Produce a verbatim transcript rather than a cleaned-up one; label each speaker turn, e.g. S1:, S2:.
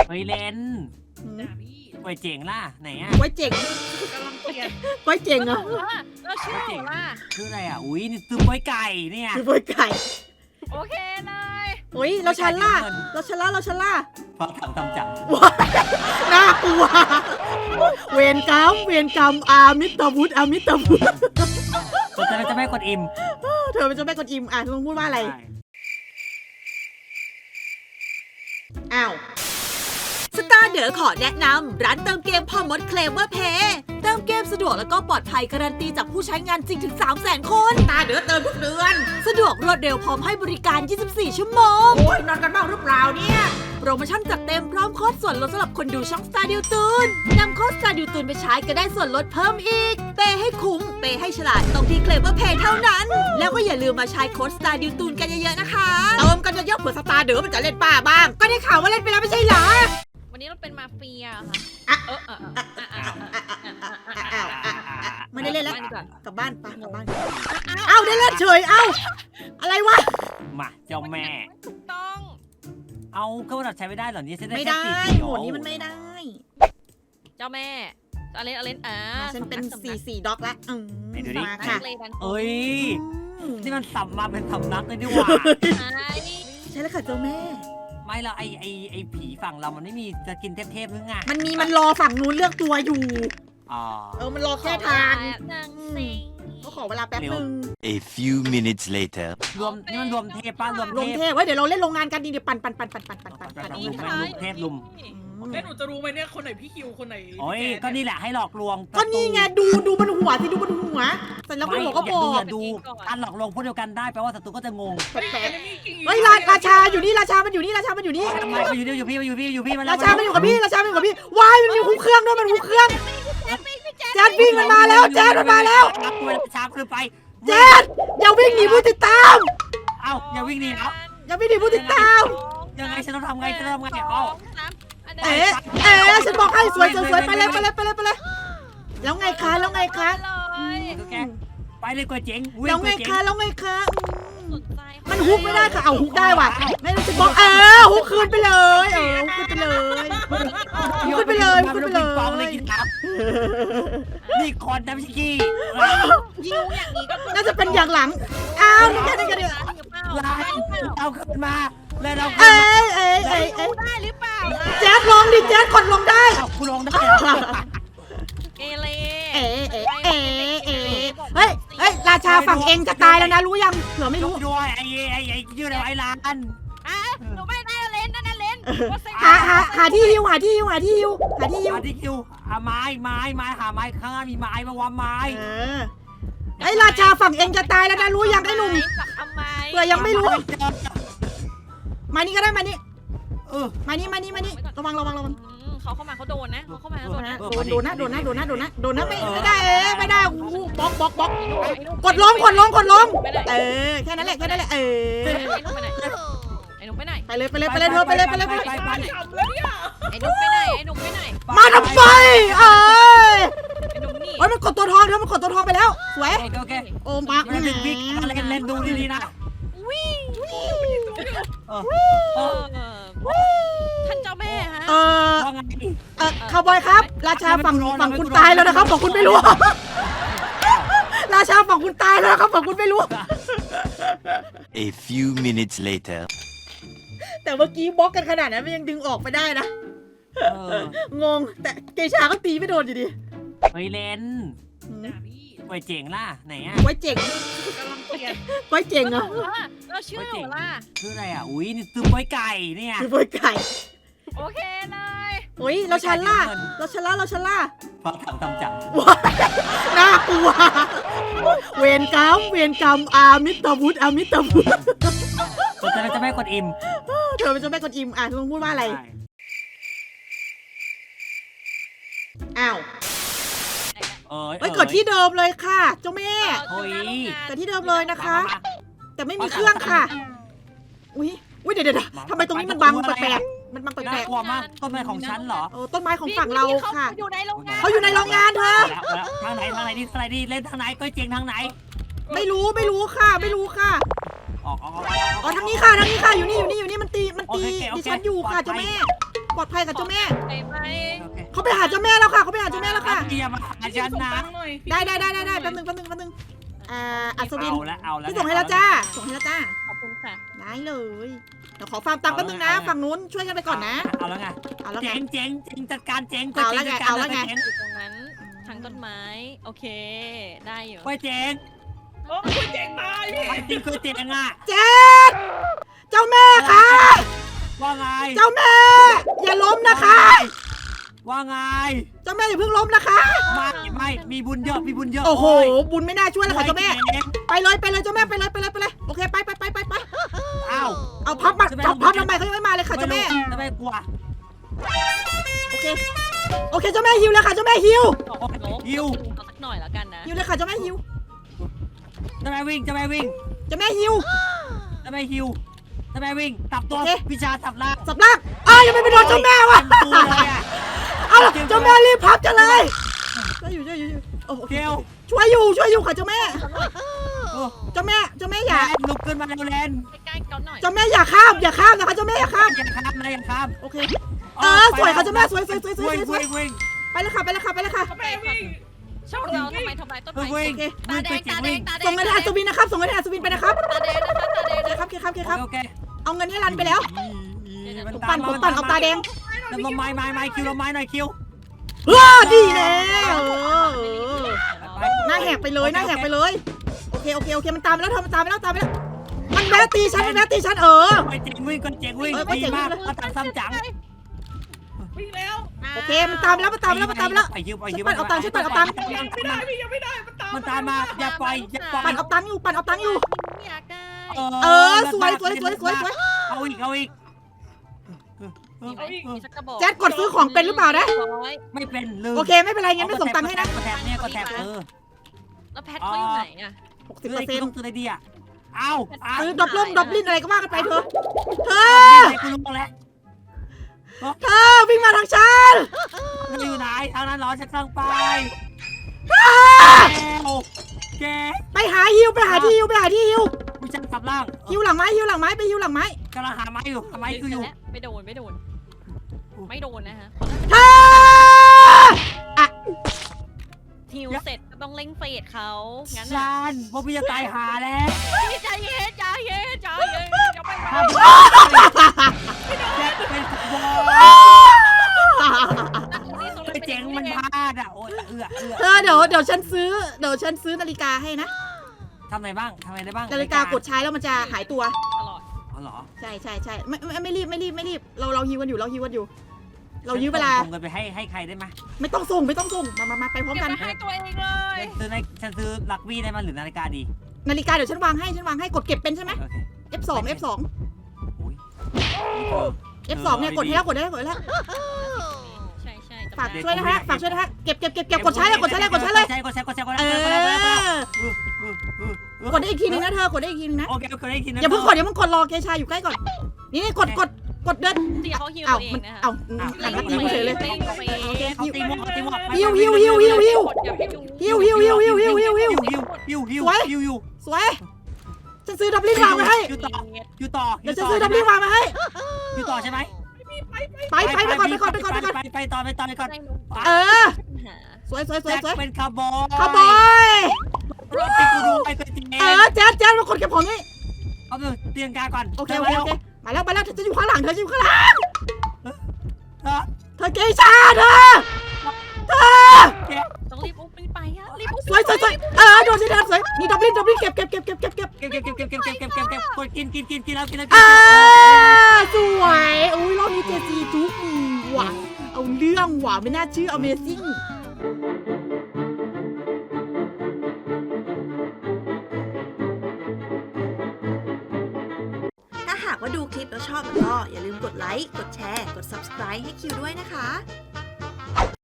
S1: เฮ้ยเลน
S2: ด่าพี่
S1: ก๋วยเจ๋งล่ะไหนอ่ะ
S3: ไว้เจ๋ง
S2: กำลังเปลี่ยน
S3: ไว้เจ๋งเหรอ
S2: เราชื่อหนูล่ะ
S1: ชื่ออะไรอ่ะอุ้ยนี่ซื้อก๋วยไก่เนี่ย
S3: คือไว้ไก่
S2: โอเคเลย
S3: โอ้ยเราชันล่ะเราชันล่ะเราชันล่ะ
S1: เพราะถังทำจัง
S3: ว้ายน่ากลัวเวรกรรมเวรกรรมอามิตรวุฒิอามิตรวุฒิ
S1: สนใจจะไม่กดอิ่ม
S3: เธอเป็นเจ้าแม่กวนอิมอ่ะเธอพูดว่าอะไรอ้าวสตาร์เดอขอแนะนำร้านเติมเกมพอมดเคลมว่าเพย์เติมเกมสะดวกแล้วก็ปลอดภัยการันตีจากผู้ใช้งานจริงถึง สามแสน คนสตาร์เดอเติมทุกเดือนสะดวกรวดเร็วพร้อมให้บริการ ยี่สิบสี่ ชั่วโมงโอ้ยนอนกันบ้างหรือเปล่าเนี่ยโปรโมชั่นจัดเต็มพร้อมโค้ดส่วนลดสำหรับคนดูช่องสตาร์ดิวตูนนำโค้ดสตาร์ดิวตูนไปใช้ก็ได้ส่วนลดเพิ่มอีกเปย์ให้คุ้มเปย์ให้ฉลาดตรงที่เคลมว่าเพย์เท่านั้น แล้วก็อย่าลืมมาใช้โค้ดสตาร์ดิวตูนกันเยอะๆนะคะเติมกันเยอะๆเผื่อสตาร์เดอมันจะเล่นป้าบ้างก็ได้ข่าวว่าเล่นไปแล้วไม่ใช่เหรอ
S2: วันนี้เราเป็นมาเฟียค่ะ
S3: อ่ะ
S2: เออเออเออเออเออเออเออเออ
S3: อ้าวอ่ะไม่ได้เล่นแล้ว
S2: บ้านดีกว่า
S3: กลับบ้านไปกลับบ้านเอ้าได้เล่นเฉยเอ้าอะไรวะ
S1: มาเจ้าแม่
S2: ถูกต้อง
S1: เอาก็ว่าเราใช้ไม่ได้เหรอนี่ฉันได้
S3: ไม่
S1: แค่
S3: ได้
S1: สี่สี่
S3: โหมดนี้มันไม่ได้
S2: เจ้าแม่อเลนอเลนอ่า
S3: ฉันเป็นสี่สี่ด็อกละอืม
S1: ไหนดูดิ
S3: มา
S2: ค่ะ
S3: ค่ะ
S2: เลยกัน
S1: เอ้ย
S3: อืม
S1: นี่มันสับมาเป็นสำนักเลยดีกว่า
S2: ใช่
S3: ใช่แล้วค่ะเจ้าแม่
S1: ไม่เราไอไอไอผีฝั่งเรามันไม่มีจะกินเทพๆหรือไง
S3: มันมีมันรอฝั่งนู้นเลือกตัวอยู่
S1: อ๋อ
S3: เออมันรอแค่ทาง
S2: นางสิง
S3: ก็ขอเวลาแป๊บนึง
S4: A few minutes later.
S1: รวมนี่มันรวมเทพป้ารวม
S3: ลง
S1: เท
S3: เท
S1: พ
S3: พไว้เดี๋ยวเราเล่นโรงงานกันดีเดี๋ยวปั่นปั่นปั่นปั่นปั่นปั่นปั่นปั่น
S1: ปั่น
S3: ปั่น
S1: ปั่
S3: ปั่น
S1: ลุมเทพลุม
S3: อืม
S5: แล้วหนูจะรู้ไหมเนี่ยคนไหนพี่คิวคนไหน
S1: โอ้ย
S5: พี่แ
S1: ก็นี่แหละให้หลอกลวง
S3: ก็นี่ไงดูดูบนหัวสิดูบนหัวเสร็จแล้วคุณ
S1: ไม่
S3: หัวก็
S1: อบ ย่า
S3: อ
S1: ดู
S3: ก
S1: อย่าดูการหลอกลวงพวกเดียวกันได้แปลว่าศัตรูก็จะงง
S3: แปลก
S5: เฮ้ย Enemy King
S3: ๆเฮ้ยราราชาอยู่นี่ราชามันอยู่นี่ราชามันอยู่นี่
S1: ทำไมมาอยู่นี่อยู่พี่มาอยู่พี่อยู่พี่มาแล้ว
S3: ราชามันอยู่กับพี่ราชามันอยู่กับพี่ว้ายมันมีหุบเครื่องด้วยมันหุบเครื่องแจ๊ดวิ่งมันมาแล้วแจ๊ดมันมาแล้ว
S1: รับตัวช้าขึ้นไป
S3: แจ๊ดอย่าวิ่งหนีผู้ติดตาม
S1: เอ้าอย่าวิ่งหนีแล้ว
S3: อย่าวิ่งหนีผู้ติดตาม
S1: ยังไงฉันต้องทำไงฉันต้องทำไงเอ้า
S2: สามอันเด
S3: เอ๊ะเอ๊ะฉันบอกให้สวยสวยสวยไปเลยไปเลยไปเลยไปเลยแล้วไงคะแล้วไงคะ
S2: เลย
S1: ไปเลยก๋วยเจ๋ง
S3: แล้วไงคะแล้วไงคะอืม
S2: สนใจ
S3: มันฮุกไม่ได้ค่ะเอาฮุกได้ว่ะไม่ต้องจะบอกเออฮุกคืนไปเลยเออฮุกคืนไปเลยฮุกคืนไปเลยฮุกคืนไปเล
S1: ฟองเลย
S3: ย
S1: กินน้ำนี่คอนน้ำชิกี้
S2: ยิงอย่างนี้ก็
S3: น่าจะเป็นอย่างหลังอ้าวนี่แค่นี้กันเดียว
S1: ลายเอาขึ้นมาแล้วเรา
S3: เอ้ยเอ้ยเอ้ยเอ้ย
S2: ได้หรือเปล่า
S3: แจ๊ดลงดิแจ๊ดกดลงได้
S1: เอาคุณลงได้
S2: เกเร
S3: เอ๋เอ๋เอ๋เอ๋เฮ้ยเฮ้ยราชาฝั่งเองจะตายแล้วนะรู้ยังเผื่อไม่รู้
S1: ด้วยไอ้ไอ้ไอ้ชื่ออะไรไอ้ร้าน
S2: อ่ะหนูไม่ได้เลนนั่นน่ะเลน
S3: หาหาหาที่ฮิวหาที่ฮิวหาที่ฮิวหาที่ฮิว
S1: มาที่คิวหาไม้ไม้ไม้หาไม้ข้างหน้ามีไม้มาวางไม้
S3: เออไอ้ราชาฝั่งเองจะตายแล้วนะรู้ยังไอ้หนุ่ม
S2: ทำไม
S3: เผื่อยังไม่รู้มานี่ก็ได้มานี่
S1: เออ
S3: มานี่มานี่มานี่ระวังระวังระวัง
S2: เขาเข้ามาเขาโดนนะเขาเข้ามาเขาโดนนะ
S3: โดนโดนนะโดนนะโดนนะโดนนะโดนนะไม่ไม่ได้เอ๊ไม่ได้อู้บล็อกบล็อกบล็อกกดลงกดลงกดลงเออแค่นั้นแหละแค่นั้นแหละเออ
S2: ไอ้นุ่มไปไหนไอ้นุ่มไปไหน
S3: ไปเลยไปเลยไปเลยเธอไปเลยไปเลยไปเลย
S1: ไปไป
S5: ขำแล้วเนี่ย
S2: ไอ้นุ่มไปไหนไอ้นุ่มไปไหน
S3: มาทำไมเอ้ย
S2: ไอ้นุ่มนี่
S3: โอ้ยมันกดตัวทองเธอมันกดตัวทองไปแล้วสวย
S1: โอเคโอเค
S3: โอ้มาร์ค
S1: เล่นบิ๊กเล่นเล่นดูดีๆนะ
S2: วิ่ง
S1: เออ
S2: เออท่านเจ้าแม่ฮะ
S3: เออ
S1: ว่าไง
S3: เออคาวบอยครับ ราชาฝั่งฝั่งคุณตายแล้วนะครับฝั่งคุณไม่รู้ ราชาฝั่งคุณตายแล้วนะครับฝั่งคุณไม่รู้
S4: A few minutes later.
S3: แต่เมื่อกี้บล็อกกันขนาดนั้นมันยังดึงออกไปได้นะ
S1: เออง
S3: ง แต่เกชาก็ตีไม่โดนอยู่ดี
S1: เฮ้ยเลน
S5: ด่าพี่
S1: ก๋วยเจ๋งล่ะไหนอ่ะ
S3: ไว้เจ๋ง
S5: กำลังเปลี่ยน
S3: ไว้เจ๋งเหรอ
S2: เราชื่อหนูล่ะ
S1: ชื่ออะไรอ่ะอุ้ยนี่ซื้อก๋วยไก่เนี่ย
S3: คือไว้ไก่
S2: โอเคเลย
S3: โอ้ยเราชันล่ะเราชันล่ะเราชันล่ะ
S1: เพราะถังทำจัง
S3: ว้ายน่ากลัว เวรกรรมเวรกรรมอามิตรวุฒิอามิตรวุฒิ
S1: สนใจจะไม่กดอิ่ม
S3: เธอเป็นเจ้าแม่กวนอิมอ่ะเธอพูดว่าอะไรอ้าว
S1: เอ้ย
S3: เอ้ยเกิดที่เดิมเลยค่ะ เจ้าแม่
S1: เฮ้ย
S3: เกิดที่เดิมเลยนะคะ แต่ไม่มีเครื่องค่ะ อุ้ยอุ้ยเดี๋ยวเดี๋ยวทำไมตรงนี้มันบังแปลกๆมันบังแป
S1: น่า
S3: ลก
S1: กลัวมากต้นไม้ของฉันเหรอ
S3: ๆเออต้นไม้ของฝั่งเราค่ะ
S2: อยู่ในโรงงาน
S3: เขาอยู่ในโรงงานเธอ
S1: ทางไหนทางไหนดีทางไหนดีเล่นทางไหนก๋วยเจ๋งทางไหน
S3: ไม่รู้ไม่รู้ค่ะ ไม่รู้ค่ะ
S1: ออกออก
S3: อ๋อทางนี้ค่ะทางนี้ค่ะอยู่นี่อยู่นี่อยู่นี่มันตีมันตีดิฉันอยู่ค่ะเจ้าแม่ปลอดภัยค่ะเจ้าแม่
S2: ไปไหม
S1: โอเค
S3: เขาไปหาเจ้าแม่แล้วค่ะเขาไปหาเจ้าแม่แล้วค่ะ
S1: เตรียมมาหาฉัน
S5: ส่ง
S1: นะ
S5: ตังค์หน่อยพี่
S3: ได้ได้ได้ได้ได้แป๊บนึงแป๊บนึงแป๊บนึงอ่าอัศวิน
S1: เอาละเอาละ
S3: พี่ส่งให้แล้วจ้าส่งให้แล้วจ้า
S2: ขอบคุณค่ะ
S3: ได้เลยเดี๋ยวขอฟาร์มตังค์แป๊บนึงนะฝั่งนู้นช่วยกันไปก่อนนะ
S1: เอาแล้วไง
S3: เอาแล้วไง
S1: เจ๋งเจ๋งเจ๋งจัดการเจ๋ง
S3: เอาแล้วไงเอาแล้วไง
S2: อยู่ตรงนั้นทางต้นไม้ โอเค ได้อยู่
S1: ไปเจ๋ง
S5: โอ้คุณเจ๋งตายพี่
S1: ไปจริงคือเจ๋งอ่ะ
S3: เจ๊ดเจ้าแม่ค่ะ
S1: ว่าไง
S3: เจ้าแม่ อย่าล้มนะคะ
S1: ว่าไง
S3: เจ้าแม่อย่าเพิ่งล้มนะคะ
S1: ไม่ไม่มีบุญเยอะมีบุญเยอะ
S3: โอ้โห บุญไม่น่าช่วยเลยค่ะเจ้าแม่
S1: จ๋ง
S3: ไปเลยไปเลยเจ้าแม่ไปเลยไปเลยไปเลยโอเคไปไปไปไปไป
S1: อ้าว
S3: เอาพับมาพับพับทำไมเขายังไม่มาเลยค่ะเจ้าแม่
S1: ทำไมกลัว
S3: โอเคโอเคเจ้าแม่ฮิวแล้วค่ะเจ้าแม่ฮิว
S2: โอ้โห
S1: ฮิว
S2: เอาสักหน่อยแล้วกันนะ
S3: ฮิวเลยค่ะเจ้าแม่ฮิว
S1: ทำไมวิ่งทำไมวิ่ง
S3: เจ้าแม่ฮิว
S1: ทำไมฮิวทำไมวิ่งตับตัว
S3: โอเค
S1: วิชาตับล่าง
S3: สับล่างอ้าวยังไม่ไปโดนเจ้าแม่วะ
S1: เป็นตัวเลยอะ
S3: เอาล่ะเจ้าแม่รีบพับจะเลยช่วยอยู่ช่วยอยู่ช่วยอยู่โอเค
S1: เกล
S3: ช่วยอยู่ช่วยอยู่ค่ะเจ้าแม่
S1: โอ้
S3: เจ้าแม่เจ้าแม่อ
S1: แล
S3: ย่าน
S1: ลุกขึ้นมาเร็วแลน
S2: ใกล้ๆเขาหน่อย
S3: เจ้าแม่อย่าข้ามอย่าข้ามนะคะเจ้าแม่อย่าข้าม
S1: อย่าข้ามนะอย่าข้าม
S3: โอเคเออสวยค่ะเจ้าแม่สวยสวยสวยสวยสวย
S1: วิ่งวิ่ง
S3: ไปเลยค่ะไปเลยค่ะไปเลยค่ะ
S5: แม่วิ่ง
S2: ช่องเราทำไมทำไมต้นไม้
S1: วิ่ง
S3: โอเค
S2: ตาแดงตาแดงตาแดง
S3: ส่งเงินให้อัศวินนะครับส่งเงินให้อัศวินไปนะครับ
S2: ตาแดงนะคะตาแดง
S3: โอเค
S2: นะครับ
S3: โอเคครับโอเคครับ
S1: โอเค
S3: เอาเงินให้รันไปแล้ว
S1: มัน
S3: ผมปั่นผมปั่นเอาตาแดง
S1: ลมไม้ไม้ไม้คิวลมไม้หน่อยคิว
S3: เออดีแล้วเออหน้าแหกไปเลยหน้าแหกไปเลยโอเคโอเคโอเคมันตามไปแล้วเธอมันตามไปแล้วตามไปแล้วมันแวะตีฉันมันแวะตีฉันเออ
S1: ไปเจ๋งวิ่งก่อนเจ๋งวิ่ง
S3: เออไป
S1: ดี
S3: เจ๋งวิ่
S1: มาง ก
S3: เลย
S1: มาตังซ้ำจัง
S5: วิ่งแล้ว
S3: โอเคมันตามไปแล้วมันตามไปแล้วมันตามไปแล้ว
S1: ไปคิวไป
S3: ฉั
S1: คิ
S3: น
S1: ว
S3: ปั่นเอาตังค์ฉันปั่นเอาตังค์
S5: ยังไม่ได้พี่ยังไม่ได้มันตาม
S1: มันตามมาอย่าปล่อยอย่าปล่อย
S3: ปั่นเอาตังค์อยู่ปั่นเอาตังค์อยู่
S2: อยากได้
S3: เออสวยสวยสวยสวยสวย
S1: เอาอีกเอาอีก
S2: มีไหมมีสักกระบอก
S3: แจ๊ดกดซื้อของเป็นหรือเปล่านะ
S2: ร้อย
S1: ไม่เป็นลืม
S3: โอเคไม่เป็นไรงั้นไม่ส่งตังค์ให้นะ
S1: กดแทบเนี่ยกดแทบเออ
S2: แล้วแพทเขาอยู่ไหนอะ
S3: หกสิบ
S1: ซื้อ
S3: เปอ
S1: อะไร
S3: ร์เซ็น
S1: กู
S3: ต์
S1: ต้องซื้ออะไรดีอ่ะเอาเอา
S3: ซื้อดับล่มดับลินอะไรก็ว่ากันไปเถอะเธอ
S1: ให้กูรู้แล้ว
S3: เธอวิ่งมาทางฉัน
S1: มันอยู่ไหนทางนั้นเหรอฉันกำลังไปแกแก
S3: ไปหาฮิวไปหาที่ฮิวไปหาที่ฮิว
S1: มีฉันกลับล่าง
S3: ฮิวหลังไม้ฮิวหลังไม้ไปฮิวหลังไม้
S1: กำลังหาไม้อยู่หาไม้คืออยู่
S2: ไม่โดนไม่โดน ไม่โดนนะฮะ
S3: เธออะ
S2: ทิวเสร็จก็ต้องเล่งเฟดเขางั้น
S1: ฉันพวกพี่จะตายหาแล้ว
S2: พี่ใจเย็นใจเย็นใจเย็นอย่าไป
S1: ถ้าแกเป็นขบวนไอ้เจ๋งมันพลาดอ่ะโอ้ยเอือเอือ
S3: เธอเดี๋ยวเดี๋ยวฉันซื้อเดี๋ยวฉันซื้อนาฬิกาให้นะ
S1: ทำอะไรบ้างทำอะไรได้บ้าง
S3: นาฬิกากดใช้แล้วมันจะหายตัว
S2: ตลอด
S1: อ๋อเหรอ
S3: ใช่ใช่ใช่ไม่ไม่ไม่รีบไม่รีบไม่รีบเราเราฮิวกันอยู่เราฮิวกันอยู่ เรายื้อเวลา
S1: ส่งเงินไปให้ให้ใครได้ไหม
S3: ไม่ต้องส่งไม่ต้องส่งมามามาไปพร้อม
S2: เก็บ
S3: กัน
S2: ไปให้ตัวเองเลย
S1: ซื้อในฉันซื้อลักวี่ได้มั้ยหรือนาฬิกาดี
S3: นาฬิกาเดี๋ยวฉันวางให้ฉันวางให้กดเก็บเป็นใช่ไหม
S1: โอเค
S3: เอฟ สอง เอฟ สอง
S1: โอ้ย
S3: เอฟ สองเนี่ยกดให้แล้วกดได้แล้วกดได้แล้ว
S2: ใช่ใช่
S3: ฝากช่วยนะฮะฝากช่วยนะฮะเก็บเก็บเก็บเก็บกดใช้เลยกดใช้เลยกดใช้เลย
S1: กดใช้กดใช้กดใช้กด
S3: เอ
S1: ใช้กดใช้กดใช้กดใช้
S3: อกดได้อีกทีนึงนะเธอกดได้อีกทีนึงนะ
S1: โอเคโอเคได้ทีนึง
S3: อย่าเพิ่งกดอย่าเพิ่งกดรอเกชาอยู่ใกล้ก่อนนี่นี่กดกดกดเดิน
S2: ที่เขาฮิว
S3: เอ้า
S2: ตัวเอ
S3: มั
S2: ง
S3: น
S2: นะคะ
S3: เอ้าหันมาตีกูเฉยเลย
S1: เขาตีหมวกเขาตีหมวก
S3: ฮิวฮิวฮิวฮิวฮิว ฮิวฮิวฮิวฮิวฮิวฮิวฮิว
S1: ฮิวฮิวฮิวฮิวฮิว
S3: สวยฉันซื้อดับลิงวางมาให้
S1: อยู่ต่ออยู่ต่อ
S3: เดี๋ยวฉันซื้อดับลิงวางมาให้
S1: อยู่ต่อใช่ไหม
S3: ไปไปไปก่อนไปก่อนไปก่อนไปก่อน
S1: ไปต่อไปต่อไปก่อน
S3: เออสวยสวยสวย
S1: แจ็ค
S3: สวย
S1: เป็นคาร์บอย
S3: ขบอย
S1: รถที่กูดูไปตัวจริง
S3: เออแจ๊ดแจ๊ดมากดเก็บของนี่
S1: เอาไปเตียงกาก่อน
S3: โอเคโอเคโอเคมาแล้วมาแล้วเธอจะอยู่ข้างหลังเธอจะอยู่ข้างหลัง
S1: เออ
S3: เธอเกชาเธอเธอ
S2: ต้องรีบอุ้มไปอะรีบอุ้ม
S3: สวยสวยสวยเออโดนสิเธอสวยนี่ดับลิงดับลิงเก็บเก็บเก็บเก็บเก็บเก็บ
S1: เก็บเก็บเก็บเก็บเก็บเก็บเก็บเก็บเก็บกดกินกินกินกินแล้วกินแล้ว
S3: อ่าสวยอุ้ยรอบนี้เจจีจุ๊บหว่ะเอาเรื่องหว่ะไม่น่าเชื่อ Amazing
S6: ถ้าหากว่าดูคลิปแล้วชอบก็อย่าลืมกดไลค์ กดแชร์ กด ซับสไครบ์ ให้คิวด้วยนะคะ